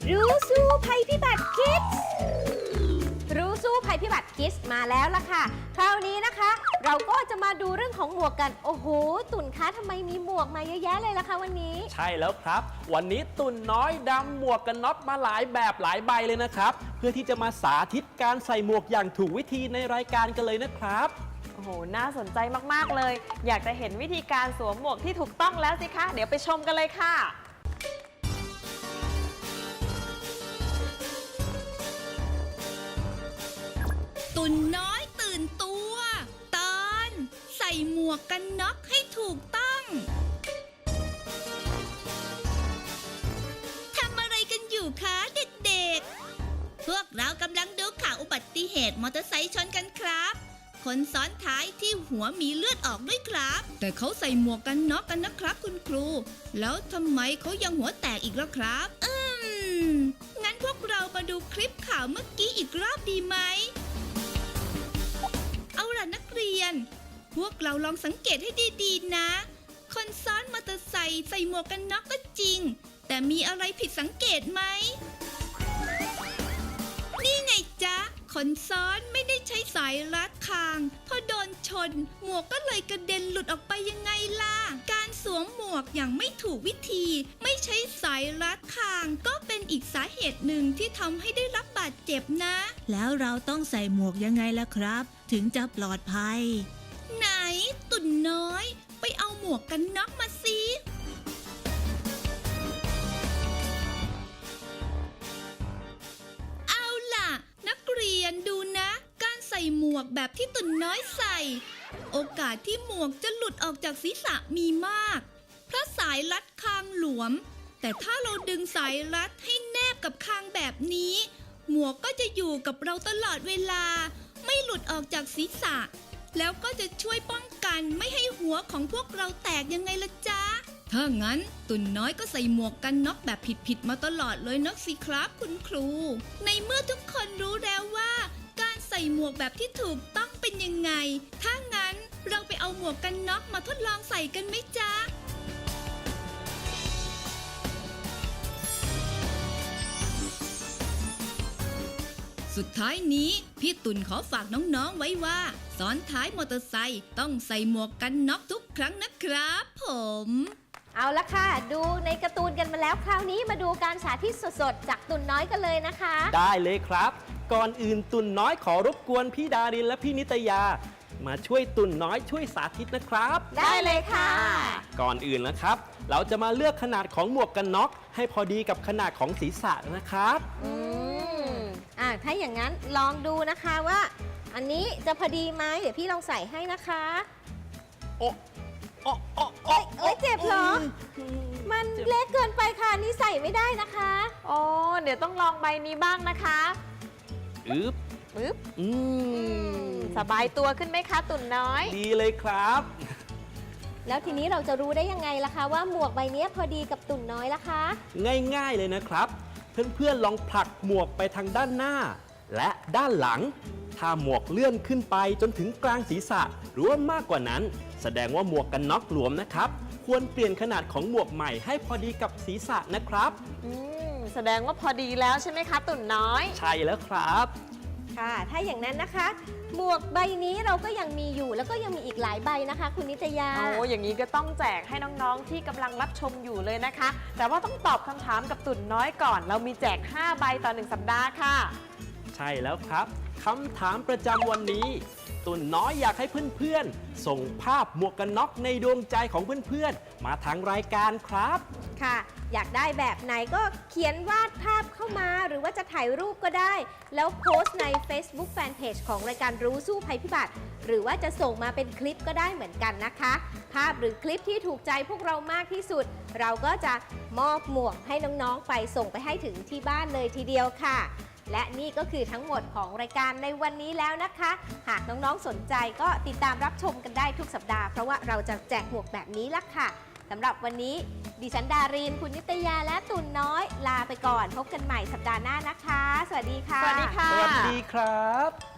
รู้สู้ภัยพิบัติคิดรู้สู้ภัยพิบัติคิดมาแล้วล่ะค่ะคราวนี้นะคะ เราก็จะมาดูเรื่องของหมวกกันโอ้โหตุ่นคะทำไมมีหมวกมาเยอะแยะเลยล่ะคะวันนี้ใช่แล้วครับวันนี้ตุ่นน้อยดำหมวกกันน็อกมาหลายแบบหลายใบเลยนะครับเพื่อที่จะมาสาธิตการใส่หมวกอย่างถูกวิธีในรายการกันเลยนะครับโอ้โหน่าสนใจมากๆเลยอยากจะเห็นวิธีการสวมหมวกที่ถูกต้องแล้วสิคะเดี๋ยวไปชมกันเลยค่ะตุ่นน้อยตื่นตัวตอนใส่หมวกกันน็อกให้ถูกต้องทำอะไรกันอยู่คะเด็กๆพวกเรากำลังดูข่าวอุบัติเหตุมอเตอร์ไซค์ชนกันครับคนซ้อนท้ายที่หัวมีเลือดออกด้วยครับแต่เขาใส่หมวกกันน็อกกันนะครับคุณครูแล้วทำไมเขายังหัวแตกอีกล่ะครับงั้นพวกเรามาดูคลิปข่าวเมื่อกี้อีกรอบดีไหมเอาล่ะนักเรียนพวกเราลองสังเกตให้ดีๆนะคนซ้อนมอเตอร์ไซค์ใส่หมวกกันน็อกก็จริงแต่มีอะไรผิดสังเกตไหมนี่ไงจ๊ะคนซ้อนไม่ได้ใช้สายรัดคางพอโดนชนหมวกก็เลยกระเด็นหลุดออกไปยังไงล่ะการสวมหมวกอย่างไม่ถูกวิธีไม่ใช้สายรัดคางก็เป็นอีกสาเหตุหนึ่งที่ทำให้ได้รับบาดเจ็บนะแล้วเราต้องใส่หมวกยังไงล่ะครับถึงจะปลอดภัยไหนตุ่นน้อยไปเอาหมวกกันน็อกมาสิเอาล่ะนักเรียนดูนะการใส่หมวกแบบที่ตุ่นน้อยใส่โอกาสที่หมวกจะหลุดออกจากศีรษะมีมากเพราะสายรัดคางหลวมแต่ถ้าเราดึงสายรัดให้แนบกับคางแบบนี้หมวกก็จะอยู่กับเราตลอดเวลาไม่หลุดออกจากศีรษะแล้วก็จะช่วยป้องกันไม่ให้หัวของพวกเราแตกยังไงล่ะจ๊ะถ้างั้นตุ่นน้อยก็ใส่หมวกกันน็อกแบบผิดๆมาตลอดเลยนักสิครับคุณครูในเมื่อทุกคนรู้แล้วว่าการใส่หมวกแบบที่ถูกต้องเป็นยังไงถ้างั้นเราไปเอาหมวกกันน็อกมาทดลองใส่กันไหมจ๊ะสุดท้ายนี้พี่ตุ่นขอฝากน้องๆไว้ว่าซ้อนท้ายมอเตอร์ไซค์ต้องใส่หมวกกันน็อกทุกครั้งนะครับผมเอาละค่ะดูในการ์ตูนกันมาแล้วคราวนี้มาดูการสาธิตสดๆจากตุ่นน้อยกันเลยนะคะได้เลยครับก่อนอื่นตุ่นน้อยขอรบกวนพี่ดารินและพี่นิตยามาช่วยตุ่นน้อยช่วยสาธิตนะครับได้เลยค่ะก่อนอื่นนะครับเราจะมาเลือกขนาดของหมวกกันน็อกให้พอดีกับขนาดของศีรษะนะครับถ้าอย่างนั้นลองดูนะคะว่าอันนี้จะพอดีไหมเดี๋ยวพี่ลองใส่ให้นะคะโอ้เจ็บเหรอมันเล็กเกินไปค่ะนี่ใส่ไม่ได้นะคะโอ้เดี๋ยวต้องลองใบนี้บ้างนะคะปึ๊บสบายตัวขึ้นไหมคะตุ่นน้อยดีเลยครับแล้วทีนี้เราจะรู้ได้ยังไงล่ะคะว่าหมวกใบนี้พอดีกับตุ่นน้อยล่ะคะง่ายๆเลยนะครับเพื่อนๆลองผลักหมวกไปทางด้านหน้าและด้านหลังถ้าหมวกเลื่อนขึ้นไปจนถึงกลางศีรษะหรือว่ามากกว่านั้นแสดงว่าหมวกกันน็อกหลวมนะครับควรเปลี่ยนขนาดของหมวกใหม่ให้พอดีกับศีรษะนะครับแสดงว่าพอดีแล้วใช่ไหมคะตุ่นน้อยใช่แล้วครับค่ะถ้าอย่างนั้นนะคะหมวกใบนี้เราก็ยังมีอยู่แล้วก็ยังมีอีกหลายใบนะคะคุณนิตยาอย่างนี้ก็ต้องแจกให้น้องๆที่กำลังรับชมอยู่เลยนะคะแต่ว่าต้องตอบคำถามกับตุ่นน้อยก่อนเรามีแจก5ใบต่อ1สัปดาห์ค่ะใช่แล้วครับคำถามประจำวันนี้ตุ่นน้อยอยากให้เพื่อนๆส่งภาพหมวกกันน็อกในดวงใจของเพื่อนๆมาทางรายการครับค่ะอยากได้แบบไหนก็เขียนวาดภาพเข้ามาหรือว่าจะถ่ายรูปก็ได้แล้วโพสต์ใน Facebook Fanpage ของรายการรู้สู้ภัยพิบัติหรือว่าจะส่งมาเป็นคลิปก็ได้เหมือนกันนะคะภาพหรือคลิปที่ถูกใจพวกเรามากที่สุดเราก็จะมอบหมวกให้น้องๆไปส่งไปให้ถึงที่บ้านเลยทีเดียวค่ะและนี่ก็คือทั้งหมดของรายการในวันนี้แล้วนะคะหากน้องๆสนใจก็ติดตามรับชมกันได้ทุกสัปดาห์เพราะว่าเราจะแจกหมวกแบบนี้ละค่ะสำหรับวันนี้ดิฉันดารินคุณนิตยาและตุ่นน้อยลาไปก่อนพบกันใหม่สัปดาห์หน้านะคะสวัสดีค่ะสวัสดีค่ะสวัสดีครับ